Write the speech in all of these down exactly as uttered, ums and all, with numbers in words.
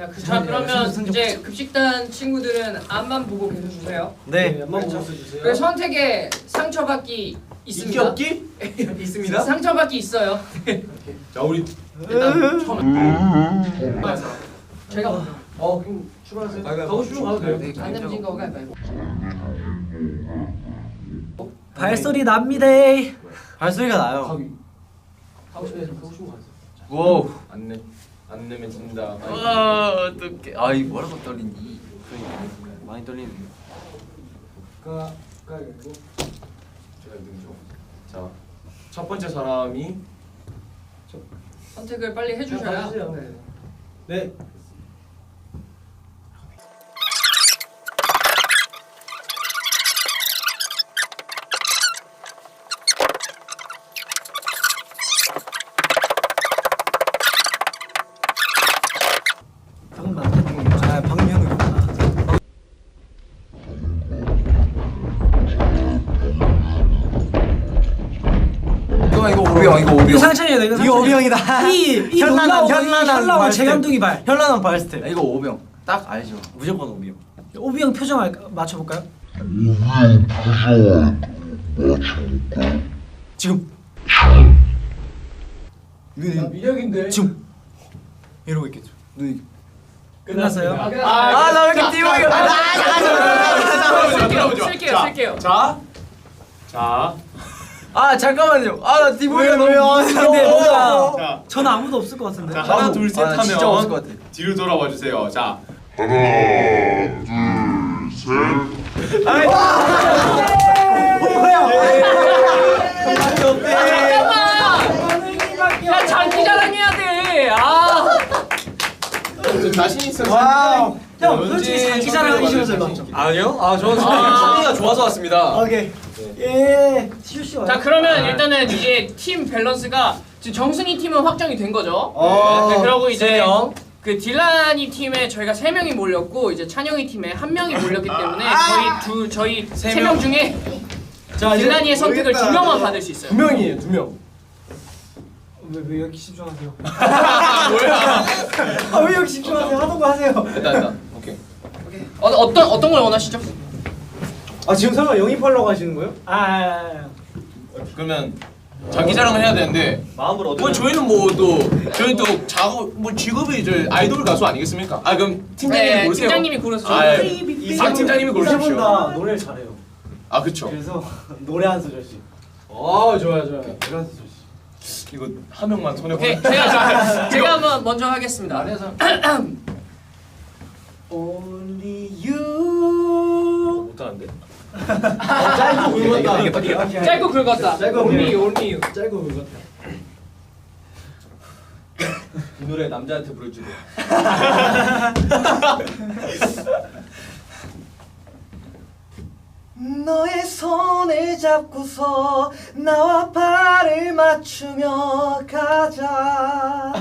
자, 그, 자 그러면 이제 급식단 친구들은 앞만 보고 계셔주세요. 네. 앞만 보고 있어주세요. 그 선택에 상처받기 있습니다. 없기? 있습니다. 상처받기 있어요. 자 우리 일단 처음. 제가 어 그럼 출발하세요. 가고 싶으면 가도 돼요. 안 내면 거가 말고. 발소리 납니다. 발소리가 나요. 가기. 가고 싶으면 가고 싶으면 가세요. 와우. 안내 안 내면 진다. 와 어떡해. 아 이거 뭐라고 떨리니? 많이 떨리네. 가 가고. 제가 능죠. 자, 첫 번째 사람이 선택을 빨리 해주셔야. 네. 아 박명우구나. 이거 이거 오비형 이거 오비형. 상찬이야 내가. 이거 오병이다. 이이 현란한 현란한 재감동이 발. 현란한 발 스텝. 이거 오비형. 딱 알죠. 무조건 오비형. 오비형 표정 알 맞춰볼까요? 오비형 표정 맞춰볼까? 지금. 나 미력인데. 지금. 이러고 있겠죠. 눈이. 끝났어요? 아 나 왜 이렇게 띄우고 쓸게요, 쓸게요, 쓸게요. 자, 자, 아 잠깐만요. 아나 디보이가 너무. 근데 뭔가 저는 아무도 없을 것 같은데. 자 하나 둘 셋 하면 진짜 없을 것 같아. 뒤로 돌아와 주세요. 자, 하나, 둘, 셋. 잠깐만. 야 장기 자랑해야 돼. 아. 좀 자신 있어서. 와우. 형 언제 솔직히 장기 자랑하기 싫어서 자신 맞죠? 아니요? 아 저는 아. 찬이가 좋아서 왔습니다. 오케이. 예. 티슈 씨. 자 그러면 일단은 이제 팀 밸런스가 지금 정승희 팀은 확정이 된 거죠. 어, 네, 그러고 이제 세요. 그 딜라니 팀에 저희가 세 명이 몰렸고 이제 찬영이 팀에 한 명이 몰렸기 때문에 저희 두 저희 세 명 중에 딜라니의 선택을 두 명만 받을 수 있어요. 두 명이에요, 두 명. 왜, 왜 이렇게 집중하세요? 뭐야? 아, 왜 이렇게 집중하세요? 하던 거 하세요. 일단 일단 오케이. 어, 어떤 어떤 걸 원하시죠? 아 지금 설마 영입하려고 하시는 거예요? 아, 아, 아. 그러면 자기 자랑을 해야 되는데 마음을 얻어. 뭐 저희는 뭐 또 저희 또 작업 뭐 직업이 저 아이돌 가수 아니겠습니까? 아 그럼 팀장님이 네, 고르세요. 팀장님이 고르세요. 아, 예. 아 팀장님이 고르십시오. 다 노래를 잘해요. 아 그렇죠. 그래서 노래 한 소절씩. 아 좋아요 좋아요. 노래 한 소절씩. 이거 한 명만 손에 오케이 걸- 제가 제가 한번 먼저 하겠습니다. Only you. 못하는데. 짧고 굵었다. 짧고 굵었다. 짧고 only 굵었다. only you. 짧고 굵었다. 이 노래 남자한테 불러주고. 너의 손을 잡고서 나와 발을 맞추며 가자.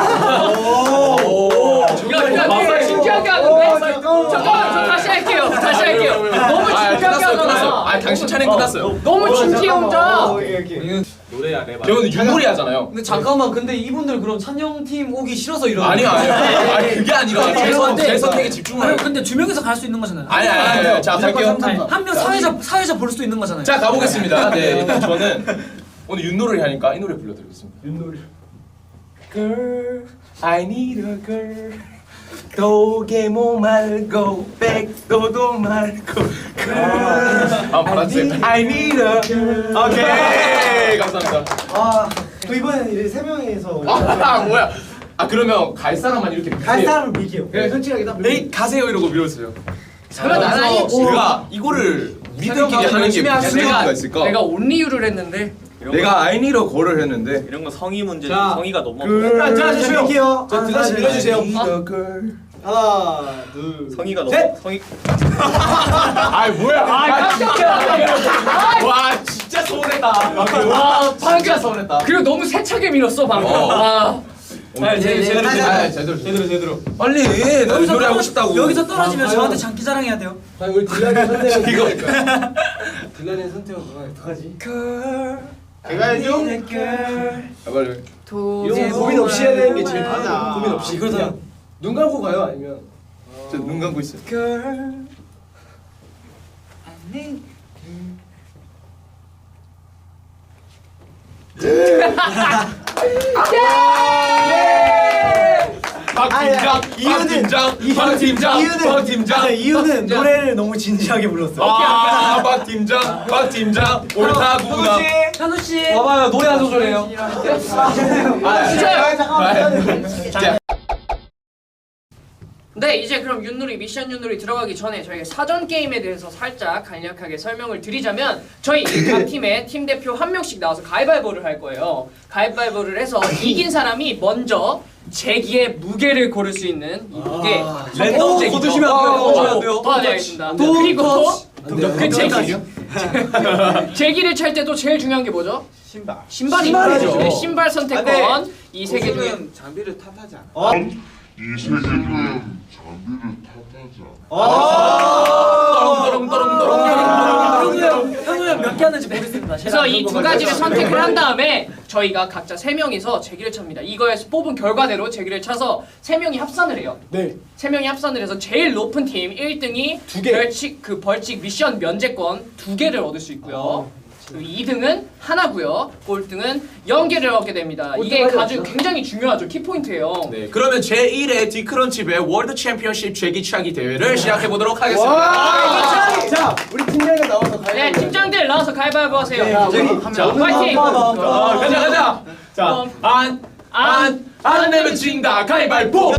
오. 야, 야, 되게 진지하게 하는데? 잠깐만, 저 다시 할게요. 다시 할게요. 너무 진지하게 하잖아. 아 당신 차례 끝났어요. 너무 진지해 혼자. 노래야 내 말. 저는 윷놀이 하잖아요. 근데 잠깐만 근데 이분들 그럼 찬영 팀 오기 싫어서 이러는 아니요 아니요. 아니 그게 아니라 제 선- 제 선택에 집중을. 아니 근데 두 명이서 갈 수 있는 거잖아요. 아니 아니 아니. 자 갈게요. 한 명 사회자 사회자 볼 수도 있는 거잖아요. 자 가보겠습니다. 네 저는 오늘 윷놀이 하니까 이 노래 불러드리겠습니다. 윷놀이. Girl, I need a girl. 도개모 말고 백도도 말고 girl. 아 맞지? I need a girl. 오케이 감사합니다. 아, 또 이번엔 이제 세 명이서 아 뭐야? 아 그러면 갈 사람만 이렇게 갈 밀게요. 사람을 밀게요. 네, 솔직하게 딱 네 가세요 이러고 밀었어요. 그러면 나는 제가 이거를 우리들끼리 하는 게 무슨 내가 의미가 있을까? 내가 only you를 했는데 내가 I need a girl을 했는데 이런 거 성의 문제 자, 성의가 너무 자, 자, 밀게요. 저 다시 밀어주세요. I need 아. a girl. 하나, 둘, 성의가 셋! 너무 성의 아 뭐야? 아 깜짝이야. 와 진짜 서운했다. 와 진짜 서운했다. 그리고 너무 세차게 밀었어 방금. 어. 와. 아, 제, 제대로 다시, 제대로 다시. 제대로 제대로 제대로 빨리 나 노래 하고 싶다고. 여기서 떨어지면 아, 저한테 장기 자랑해야 돼요. 아니 우리 딜라니 선택은 이거 딜라니 선택은 누가 어떡하지? 제가 해줘. girl. 아, 빨리 도. 이런 거 고민 없이 해야 되는 게 제일 편하다. 고민 없이 이거잖아. 눈 감고 가요 아니면? 저 눈 감고 있어요. Girl, I need 박 팀장, 박 팀장, 박 팀장, 박 팀장. 이유는 노래를 너무 진지하게 불렀어. 아, 박 팀장, 박 팀장, 옳다구나. 현우 씨. 봐봐요 노래 한 소절해요. 자, 네, 이제 그럼 윷놀이 미션 윷놀이 들어가기 전에 저희가 사전 게임에 대해서 살짝 간략하게 설명을 드리자면 저희 각 팀에 팀 대표 한 명씩 나와서 가위바위보를 할 거예요. 가위바위보를 해서 이긴 사람이 먼저 제기의 무게를 고를 수 있는 이 무게 랜덤 제기 거두시면 안 돼요. 거두시면 안 돼요. 아, 네, 알겠습니다. 그리고 그 제기 제기를 찰 때도 제일 중요한 게 뭐죠? 신발. 신발이죠. 네, 신발 선택권 이 세 개 중에 장비를 탓하지 않아. 이 세계는 장비를 탓하지 않아. 현우 형 몇 개 하는지 모르겠습니다. 그래서 이 두 가지를 선택을 한 다음에 저희가 각자 세 명이서 제기를 찹니다. 이거에서 뽑은 결과대로 제기를 차서 세 명이 합산을 해요. 네. 세 명이 합산을 해서 제일 높은 팀 일 등이 두 개. 벌칙 그 벌칙 미션 면제권 두 개를 얻을 수 있고요. 그리고 이 등은 하나고요. 꼴등은 영 개를 얻게 됩니다. 이게 아주 굉장히 중요하죠. 키포인트예요. 네, 그러면 제일 회 디크런치배 월드 챔피언십 제기차기 대회를 시작해 보도록 하겠습니다. 자, 우리 팀장님 나와서 가요. 네, 팀장들 나와서 가위바위보 하세요. 자, 파이팅! 아, 가자 가자. 자, 안, 안, 안 내면 진다. 가위바위보.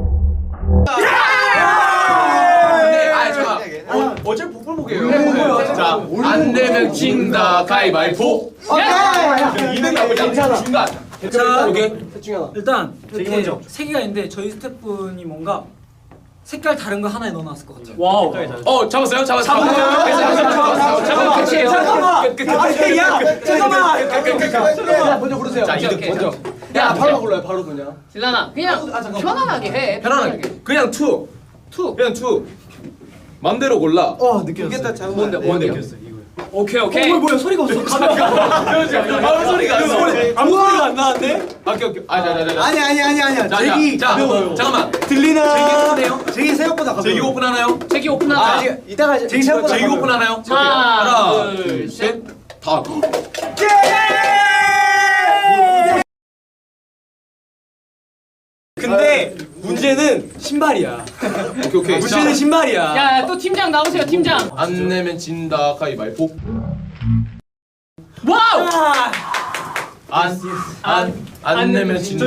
네, 아 잠깐. 어, 어제 복불복이에요. 자, 안 내면 진다. 가위바위보. 이 등 나오자. 괜찮아. 중간. 자, 오케이. 셋 중에 하나. 일단 제기 이렇게 먼저. 세 개가 있는데 저희 스태프분이 뭔가 색깔 다른 거 하나에 넣어놨을 것 같아요. 와우. 어, 잡았어요? 잡았어요? 잠깐만 끝이에요. 잠깐만. 잠깐만. 자, 먼저 고르세요. 자, 이 등 오케이, 먼저. 야, 바로 골라요. 바로 그냥. 딜라나 그냥 편안하게 해. 편안하게. 그냥 투. 투. 그냥 투. 맘대로 골라. 어, 느꼈어. 뭔데 뭔데요? 오케이 오케이. 어, 뭐야 소리가 없어. 아무 소리가 안 나. 아무 소리가 안 나는데? 오케이 오케이. 아, 자, 자, 자. 아니 아니 아니 아니야. 자, 제기 자, 자, 가벼워요. 잠깐만. 들리나? 제기 오픈해요? 제기 생각보다 가벼워. 제기 오픈하나요? 제기 아, 오픈하자. 제기- 이따가 제기 생각보다 제기 가벼워요. 오픈하나요? 하나, 하나, 둘, 둘, 셋. 셋, 다. 근데 문제는 신발이야. 오케이 오케이. 문제는 신발이야. 야, 또 팀장 나오세요, 팀장. 안 내면 진다. 가위바위보. 와우! 안, 안, 안 내면 진다.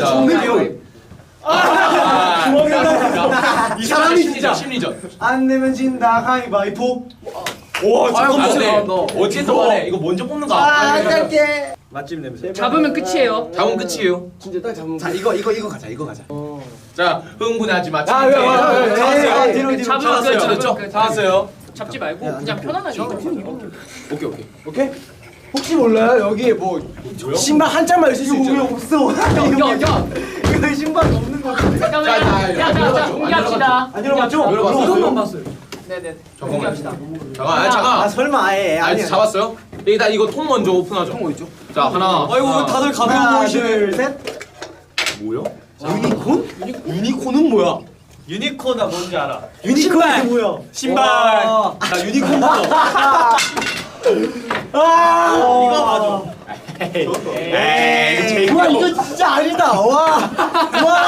이 사람이 심리전, 심리전. 안 내면 진다 가위바위보. 와, 잠깐만. 어쨌든 간에 이거 먼저 뽑는 거. 아, 짧게. 맛집 냄새. 잡으면 끝이에요. 잡으면 끝이에요. 진짜 딱 잡는 자 이거 이거 이거 가자 이거 가자. 자, 흥분하지 마. 아, 왜, 왜, 왜, 왜, 왜, 왜, 잡았어요. 왜, 뒤로 뒤로. 잡으면 잡았어요. 끝, 잡았죠? 잡으면 끝. 잡았어요. 잡지 말고 그냥 편안하게. 오케이 오케이. 오케이? 혹시 몰라요? 여기에 뭐 신발 한 짝만 있을 수 이거 왜 있죠? 없어? 야, 야, 이거 신발 없는 거 같은데. 잠깐만. 자, 야, 자, 자, 공개합시다. 안 열어봤죠? 이것만 봤어요. 네네. 잠깐만. 공개합시다. 잠깐, 아, 아 잠깐. 설마 아예 아, 아니. 잡았어요? 일단 이거 통 먼저 오픈하죠. 통 어딨죠? 자, 하나. 아이고 하나. 다들 가벼워 하나 보이시네. 둘 셋. 뭐요? 유니콘? 유니콘은 뭐야? 유니콘 나 뭔지 알아. 유니콘이 뭐야? 신발. 와. 나 유니콘부터. 아 이거 맞아. 에이, 와 이거 진짜 아니다. 와. 와.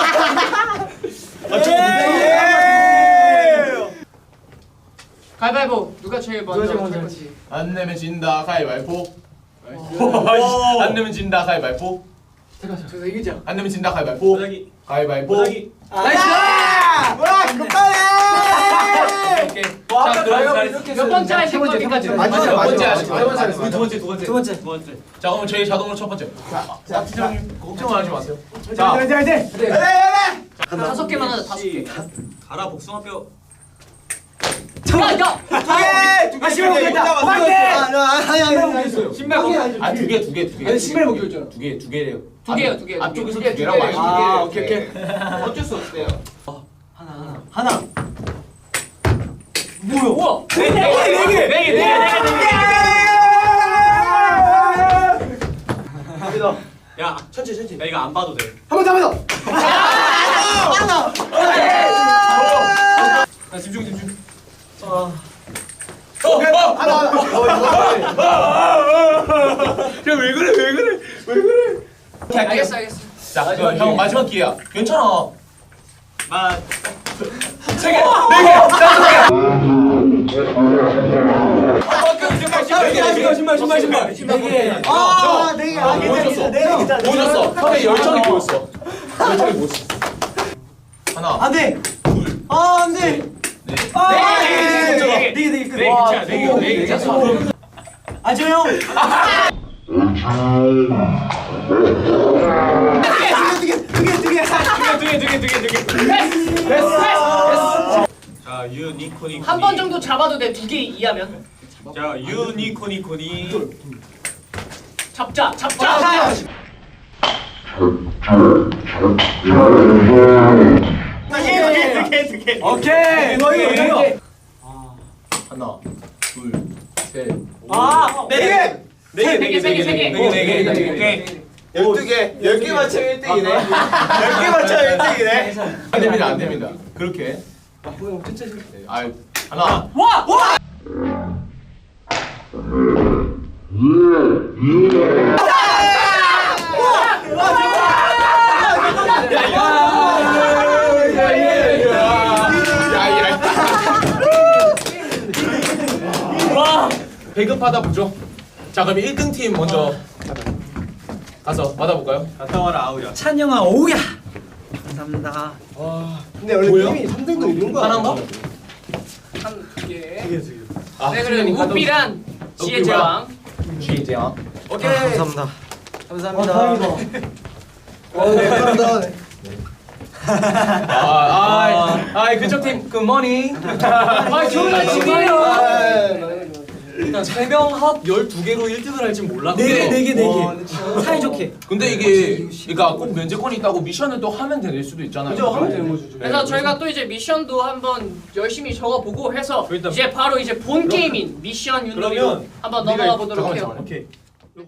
가위바위보. 누가 제일 먼저 할 거지? 안 내면 진다. 가위바위보. 안 내면 진다. 가위바위보. 저서 이기자. 안 내면 진다. 가위바위보. 보자기. 가위바위보. 보자기. 나이스! 와 이거 빨리. 오케이. 와, 자, 그럼 몇 번째 하실 거기까지? 마지막, 두 번째 마지막. 하시죠. 두 번째 하시죠. 우리 두 번째 두 번째. 두 번째. 두 번째. 자, 그럼 저희 자동으로 첫 번째. 자, 팀장님 걱정하지 마세요. 자 이제 이제 이제. 다섯 개만 하자. 다섯 개. 가라 복숭아뼈. 야, 야. 아 신발 먹겠다. 오케이. 아니 아니 아니. 신발 먹. 아, 두 개, 두 개, 두 개. 아니 신발 먹기로 했잖아. 두 개, 두 개래요. 두 개요, 두 개. 앞쪽에서 두 개, 두 개라고 두 개, 하시죠. 아, 오케이 오케이. 어쩔 수 없어요. 하나. 우와. 네 개, 네 개, 네 개, 네 개, 네 개. 야 천천히 천천히. 나 이거 안 봐도 돼. 한 번 더, 한 번 더. 자, 집중 집중. 야왜 그래 왜 그래 왜 그래? 알겠어 알겠어. 자, 형, 형 마지막 기회야. 괜찮아. 마 세 개, 네 개, 다섯 개. 신발 신발 신발 신발 네 아, 네 개. 아, 보여줬어. 네 개다. 보여줬어. 형의 열정이 보였어. 열정이 보였어. 하나, 안 돼. 둘, 아, 안 돼. 넷. 아, 네 개, 네 개. 네 개. 네 개, 네 개. 네 와, 개야 네 개, 네 개. 그럼 아, 저 형. 두 개, 두 개, 두 개. 자 유니코니 한 번 정도 잡아도 돼. 두 개 이하면. 자 유니코니코니 잡자 잡자. 두개두개두개두개 오케이. 이거, 이거, 이거. 하나, 둘, 셋. 아, 네 개. 세 개, 세 개, 세 개. 오케이 열두 개. 열 개 맞추면 일 등이네. 열 개 맞추면 일 등이네. 안 됩니다, 안 됩니다. 그렇게. 네, 아, 하나. 와! 와! 배급하다 보죠. 자, 그럼 일 등 팀 먼저 가서 받아볼까요? 갔다 와라 아우야 찬영아 오우야. 감사합니다. 근데 원래 뭐예요? 팀이 삼 등도 있는 거야. 하나인가? 한 개. 아, 네 그래 우삐란 지혜 제왕. 지혜 제왕. 오케이. 감사합니다. 감사합니다. 어, 네, 감사합니다. 아, 아, 아, 그쪽 팀 굿모닝. 아 좋은 아침이에요. 일단 세 명 합 열두 개로 일 등을 할 줄 몰랐고 네 개, 네 개, 네 개. 사이좋게. 근데 이게 그러니까 꼭 면제권이 있다고 미션을 또 하면 될 수도 있잖아요. 그죠? 하면 되는 거죠. 그래서 저희가 또 이제 미션도 한번 열심히 적어보고 해서 일단 이제 바로 이제 본 게임인 미션 윷놀이로 그러면 한번 우리가 넘어가 보도록 잠깐만, 해요. 잠깐만. 오케이